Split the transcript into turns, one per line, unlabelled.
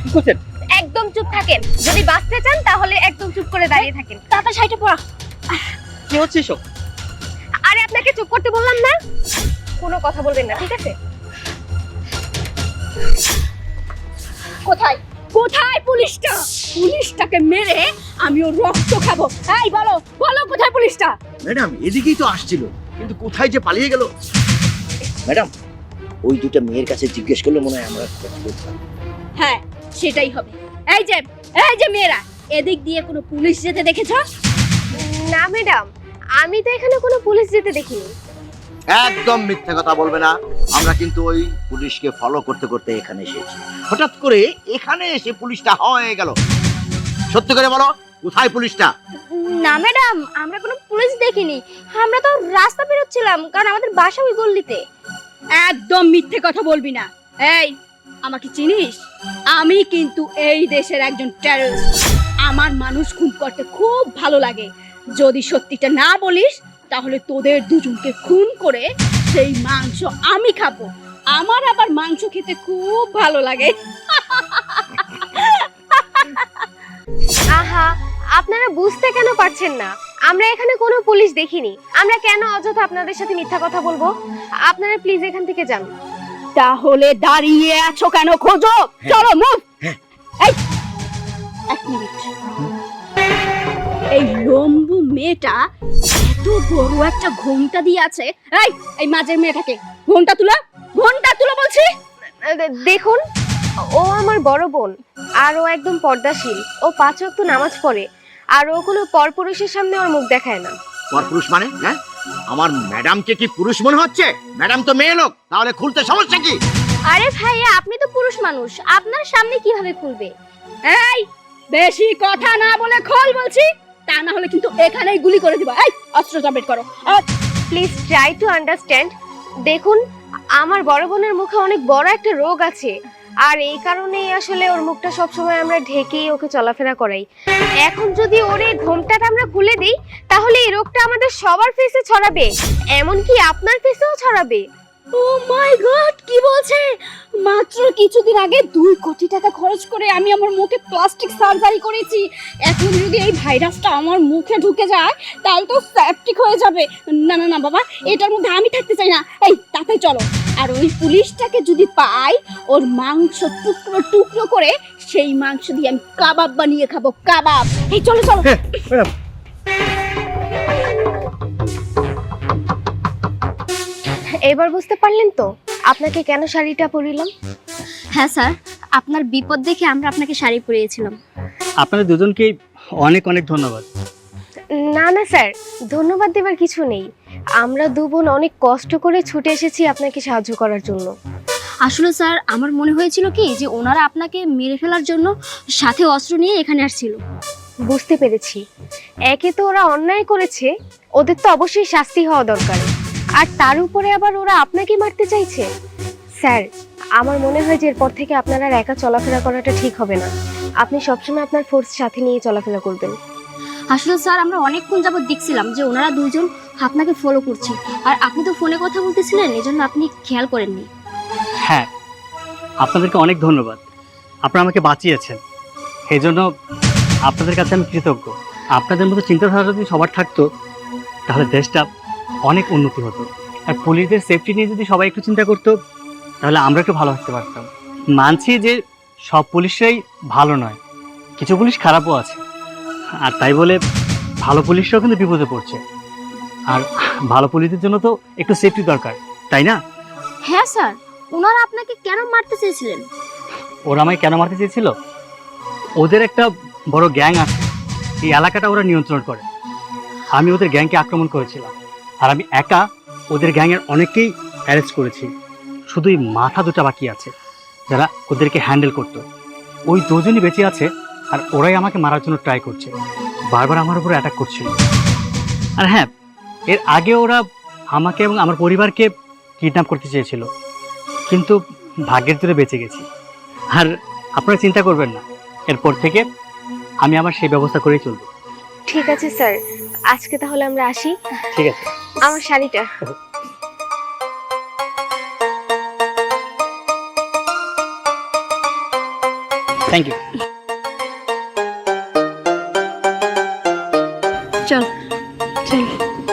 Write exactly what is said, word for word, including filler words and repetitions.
কি করছেন?
একদম চুপ থাকেন, যদি বাঁচতে চান তাহলে একদম চুপ করে দাঁড়িয়ে থাকেন। তাড়াতাড়ি শাড়িটা পরা।
কি হচ্ছে এসব?
আরে আপনাকে চুপ করতে বললাম না, কোনো কথা বলবেন না, ঠিক আছে? কোথায় কোথায় পুলিশটা? পুলিশটাকে মেরে আমি ওর রক্ত খাবো। এই বলো বলো কোথায় পুলিশটা?
ম্যাডাম এদিকেই তো আসছিল, কিন্তু কোথায় যে পালিয়ে গেল। ম্যাডাম ওই দুটো মেয়ের কাছে জিজ্ঞেস করলে মনে হয় আমরা বুঝতাম।
হ্যাঁ সেটাই হবে। এই যে এই যে মেয়েরা, এদিক দিয়ে কোনো পুলিশ যেতে দেখেছো? না ম্যাডাম, আমি তো এখানে কোনো পুলিশ যেতে দেখিনি।
একদম মিথ্যে কথা বলবে না, আমরা কিন্তু ওই পুলিশকে ফলো করতে করতে এখানে এসেছি। হঠাৎ করে এখানে এসে পুলিশটা হয়ে গেল। সত্যি করে বলো, কোথায় পুলিশটা?
না ম্যাডাম, আমরা কোনো পুলিশ দেখিনি, আমরা তো রাস্তা বেরোচ্ছিলাম, কারণ আমাদের বাসা ওই গল্লিতে। একদম মিথ্যে কথা বলবি না। এই আমাকে চিনিস? আমি কিন্তু এই দেশের একজন টেররিস্ট। আমার মানুষ খুন করতে খুব ভালো লাগে। যদি সত্যিটা না বলিস তাহলে তোদের দুজনকে খুন করে সেই মাংস আমি খাবো। আমার আবার মাংস খেতে খুব ভালো লাগে। আহা, আপনারা বুঝতে কেন পারছেন না? আমরা এখানে কোনো পুলিশ দেখিনি, আমরা কেন অযথা আপনাদের সাথে মিথ্যা কথা বলবো? আপনারা প্লিজ এখান থেকে যান। তাহলে দাঁড়িয়ে আছো কেন? খোঁজো, চলো মুভ। এই এক মিনিট, এই লম্বু মেয়েটা এত বড় একটা ঘোমটা দিয়ে আছে। এই এই মাঝের মেয়েটাকে ঘোমটা তুলো, ঘোমটা তুলো বলছি। দেখুন, ও আমার বড় বোন, আর ও একদম পর্দাশীল। ও পাঁচ ওয়াক্ত নামাজ পড়ে, আর ও কোনো পরপুরুষের সামনে ওর মুখ দেখায় না।
পরপুরুষ মানে? হ্যাঁ, আমার ম্যাডামকে কি পুরুষ মনে হচ্ছে? ম্যাডাম তো মেয়ে লোক, তাহলে খুলতে সমস্যা কি?
আরে ভাইয়া, আপনি তো পুরুষ মানুষ, আপনার সামনে কিভাবে খুলবে? এই বেশি কথা না বলে খোল বলছি, তা না হলে কিন্তু এখানেই গুলি করে দিব। এই অস্ত্রটা বের করো। Please try to understand. দেখুন, আমার বড় বোনের মুখে অনেক বড় একটা রোগ আছে, আর এই কারণেই আসলে ওর মুখটা সবসময় আমরা ঢেকেই ওকে চলাফেরা করাই। এখন যদি ওর এই ঘোমটাটা আমরা খুলে দিই, তাহলে এই রোগটা আমাদের সবার ফেসে ছড়াবে, এমনকি আপনার ফেসেও ছড়াবে। ও মাই গড, কি বলছে? মাত্র কিছুদিন আগে দুই কোটি টাকা খরচ করে আমি আমার মুখে প্লাস্টিক সার্জারি করেছি। এখন যদি এই ভাইরাসটা আমার মুখে ঢুকে যায় তাহলে তো সেপটিক হয়ে যাবে। না না না বাবা, এটার মধ্যে আমি থাকতে চাই না। এই তাতে চলো, আর ওই পুলিশটাকে যদি পাই, ওর মাংস টুকরো টুকরো করে সেই মাংস দিয়ে আমি কাবাব বানিয়ে খাবো, কাবাব। এই চলো চলো।
ম্যাডাম
এবার বুঝতে পারলেন তো আপনাকে কেন শাড়িটা পরিলাম? হ্যাঁ স্যার, আপনার বিপদ দেখে আমরা আপনাকে শাড়ি পরিয়েছিলাম।
আপনাদের দুজনকে অনেক অনেক ধন্যবাদ।
না না স্যার, ধন্যবাদ দেবার কিছু নেই। আমরা দু বোন অনেক কষ্ট করে ছুটে এসেছি আপনাকে সাহায্য করার জন্য। আসলে স্যার, আমার মনে হয়েছিল কি যে ওনারা আপনাকে মেরে ফেলার জন্য সাথে অস্ত্র নিয়ে এখানে আসছিল। বুঝতে পেরেছি, একে তো ওরা অন্যায় করেছে, ওদের তো অবশ্যই শাস্তি হওয়া দরকার, আর তার উপরে আবার ওরা আপনাকে মারতে চাইছে। স্যার, আমার মনে হয় যে এরপর থেকে আপনারা আর একা চলাফেরা করাটা ঠিক হবে না। আপনি সবসময় আপনার ফোর্স সাথে নিয়ে চলাফেরা করবেন। আসলে স্যার, আমরা অনেকক্ষণ যাবত দেখছিলাম যে ওনারা দুইজন আপনাকে ফলো করছে, আর আপনি তো ফোনে কথা বলতেছিলেন, এজন্য আপনি খেয়াল করেননি।
হ্যাঁ, আপনাদেরকে অনেক ধন্যবাদ, আপনারা আমাকে বাঁচিয়েছেন, এই জন্য আপনাদের কাছে আমি কৃতজ্ঞ। আপনাদের মতো চিন্তাধারা যদি সবার থাকতো তাহলে দেশটা অনেক উন্নতি হতো, আর পুলিশদের সেফটি নিয়ে যদি সবাই একটু চিন্তা করতো তাহলে আমরা একটু ভালো থাকতে পারতাম। মানছি যে সব পুলিশরাই ভালো নয়, কিছু পুলিশ খারাপও আছে, আর তাই বলে ভালো পুলিশরাও কিন্তু বিপদে পড়ছে, আর ভালো পুলিশদের জন্য তো একটু সেফটি দরকার, তাই না?
হ্যাঁ স্যার, ওনারা আপনাকে কেন মারতে চেয়েছিলেন?
ওরা আমায় কেন মারতে চেয়েছিল? ওদের একটা বড় গ্যাং আছে, এই এলাকাটা ওরা নিয়ন্ত্রণ করে। আমি ওদের গ্যাংকে আক্রমণ করেছিলাম, আর আমি একা ওদের গ্যাংয়ের অনেককেই অ্যারেস্ট করেছি। শুধু এই মাথা দুটা বাকি আছে যারা ওদেরকে হ্যান্ডেল করতো। ওই দুজনই বেঁচে আছে, আর ওরাই আমাকে মারার জন্য ট্রাই করছে, বারবার আমার উপরে অ্যাটাক করছিল। আর হ্যাঁ, এর আগে ওরা আমাকে এবং আমার পরিবারকে কিডন্যাপ করতে চেয়েছিল, কিন্তু ভাগ্যের জোরে বেঁচে গেছি। আর আপনারা চিন্তা করবেন না, এরপর থেকে আমি আমার সেই ব্যবস্থা করেই চলবো।
ঠিক আছে স্যার, আজকে তাহলে আমরা আসি।
ঠিক আছে।
আমার শাড়িটা।
Thank you.
চল চল